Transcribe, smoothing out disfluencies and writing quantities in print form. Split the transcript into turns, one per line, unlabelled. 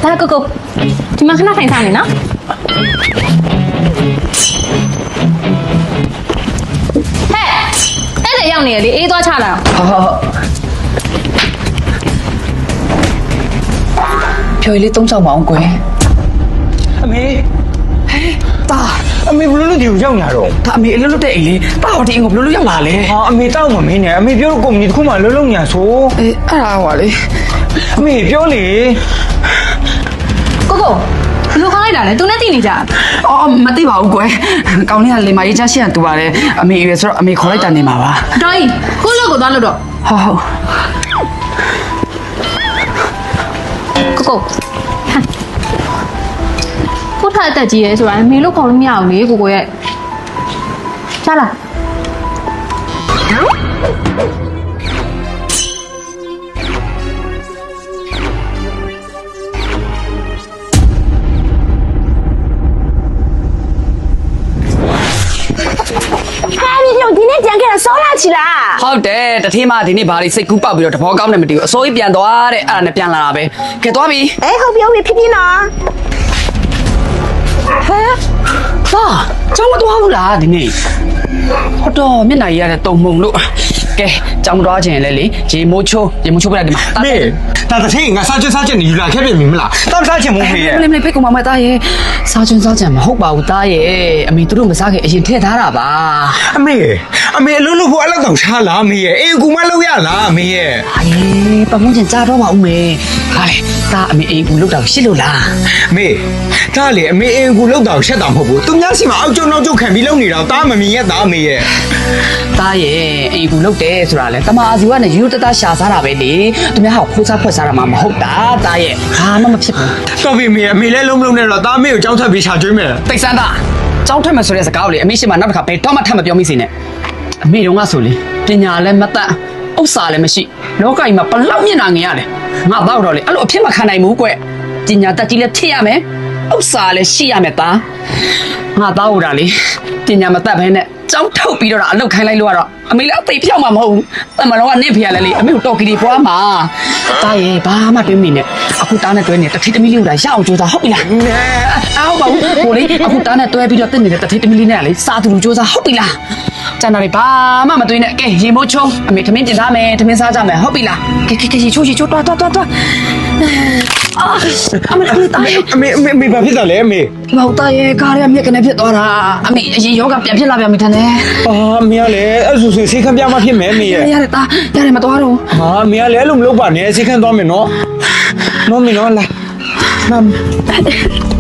ဒါကိုဒီမှာခဏထိုင်စားနေနော်ဟဲ့အဲ့ဒါရောက်နေရလေအေးသွားချလာ
ဖြိုရလေး3ချောင်းမအောင်ကွယ်
အမေတာအမေဘလို့ဒီကိုရောက်လာတော့
ဒါအမေအလွတ်လွတ်တဲ့အိမ်လေးတာဟောဒီအိမ်ကိုဘယ်လိုလုပ်ရောက်လာလဲ
ဟာအမေတောက်မမင်းနဲ့အမေပြောတော့ကုမ္ပဏီတစ်ခုမှလုံးလုံးညာဆို
အေးအဲ့ဒါဟောလေ
အမေပြောလေ
ကိုဘလို့ခေါင်းလိုက်တာလဲသူနဲ့တည်နေကြ
အော်မသိပါဘူးကွယ်ကောင်းလေးကလေမကြီးချရှိရတူပါတယ်အမေရွယ်ဆိုတော့အမေခေါ်လိုက်တာနေမှာပါ
တော်ကြီးကိုလို့ကိုသွားလို့တော့
ဟုတ်
ကိုထားအသက်ကြီးရဲဆိုတာမေလို့ခေါ်လို့မရအောင်လေကိုရဲ့ချလာ
你今天讲给他烧下去啦？
ဟုတ်တယ်တထင်းမဒီနေ့ဘာလေးစိတ်ကူးပေါက်ပြီးတော့တဘောကောင်းနေမတည်ဘူးအစိုးရပြန်သွားတဲ့အဲ့ဒါနဲ့ပြန်လာတာပဲကဲသွားပြီ
哎，后边会屁屁呢？
ဟဲ့ဟာကျောင်းမသွားဘူးလားဒီနေ့ဟုတ်တော့မျက်နှာရရတဲ့တုံမှုံလို့ကဲကျောင်းမသွားခြင်းလဲလေရေမိုးချိုးပြလိုက်ဒီမှာ
အမေဒါတစ်ချိန်ငါစားချက်နေယူလာခဲ့ပြီမလားတောက်စားချင်မို့ဖေးရဲ့
မလေးဖိတ်ကောင်မသားရဲ့စားချွန်းစားချင်မဟုတ်ပါဘူးသားရဲ့အမေတို့မစားခင်အရင်ထည့်ထားတာပါ
အမေအလုံးလို့ဖို့အဲ့လောက်တောင်ရှားလားအမေရဲ့အေးကူမလောက်ရလားအမေရဲ့
အေးပတ်မွန်ချင်ကြားတော့ပါဦးမေဟာလေသားအမေအေးကူလောက်တော့ရှစ်လို့လား
အမေဒါလေအမေအေးကူလောက်တောင်ရှက်တာမဟုတ်ဘူးသူများစီမှာအောက်ကျုံနောက်ကျုံခံပြီးလုံနေတာတားမမြင်ရဲ့တာအမေရဲ့
သားရဲ့အေးကူလောက်တယ်ဆိုတာလေတမအာစီကနဲ့ယူတတရှာစားတာပဲလေသူများဟောခိုးစားဖွက်စားတာမှမဟုတ်တာသားရဲ့ဘာမှမဖြစ်ဘူး
တော်ပြီအမေလည်းလုံးမလုံးနဲ့တော့တားမေကိုကြောင်းထပ်ပြီးရှာကျွေးမယ်
တိတ်ဆန်းသားကြောင်းထက်မယ်ဆိုတဲ့စကားကိုလေအမေရှိမှနောက်တစ်ခါဘယ်တော့မှထပ်မပြောမိစေနဲ့အမေတို့ကဆိုလေပညာလည်းမတတ်ဥစ္စာလည်းမရှိလောကကြီးမှာဘလောက်မျက်နှာငင်ရလဲငါတော့လေအဲ့လိုအဖြစ်မခံနိုင်ဘူးကွပညာတတ်ကြီးလည်းဖြစ်ရမယ်ဥစ္စာလည်းရှိရမယ်သားငါတော့ဟိုတာလေပညာမတတ်ဘဲနဲ့ကြောင်းထုတ်ပြီးတော့အလုတ်ခိုင်းလိုက်လို့ကတော့အမေလည်းအသိပြောက်မှာမဟုတ်ဘူးတမန်တော်ကနေဖေရလဲလေအမေကိုတော်ကီဒီပွားမှာတားရဲ့ဘာမှတွေးမိနဲ့အခုတားနဲ့တွဲနေတထိတမီလေးကိုလာရအောင်ကြိုးစားဟုတ်ပြီလားအော်ပါဘူးဟိုလေအခုတားနဲ့တွဲပြီးတော့တက်နေတဲ့တထိတမီလေးနဲ့လေစားသူလူကြိုးစားဟုတ်ပြီလားကျန်တော်လေးဘာမှမတွေးနဲ့ကဲရေမိုးချုံအမေထမင်းပြင်ထားမယ်ထမင်းစားကြမယ်ဟုတ်ပြီလားကဲရေချိုးတွားအမေတားရဲ့
အမေဘာဖြစ်တာလဲအမေ
မောက်တာရဲ့ကားရမြက်ကနေဖြစ်သွားတာအမေအရင်ယောဂပြန်ဖြစ်လာပြန်ပြီထန်တယ်
အာအမေကလည်းအဲ့ဆိုစိတ်ခံပြမဖြစ်မယ်အမေရဲ့
ရတယ်တာရတယ်မသွားတော့
ဟာအမေကလည်းအဲ့လိုမလုပ်ပါနဲ့စိတ်ခံသွားမယ်နော်နော်မင်းနော်လာ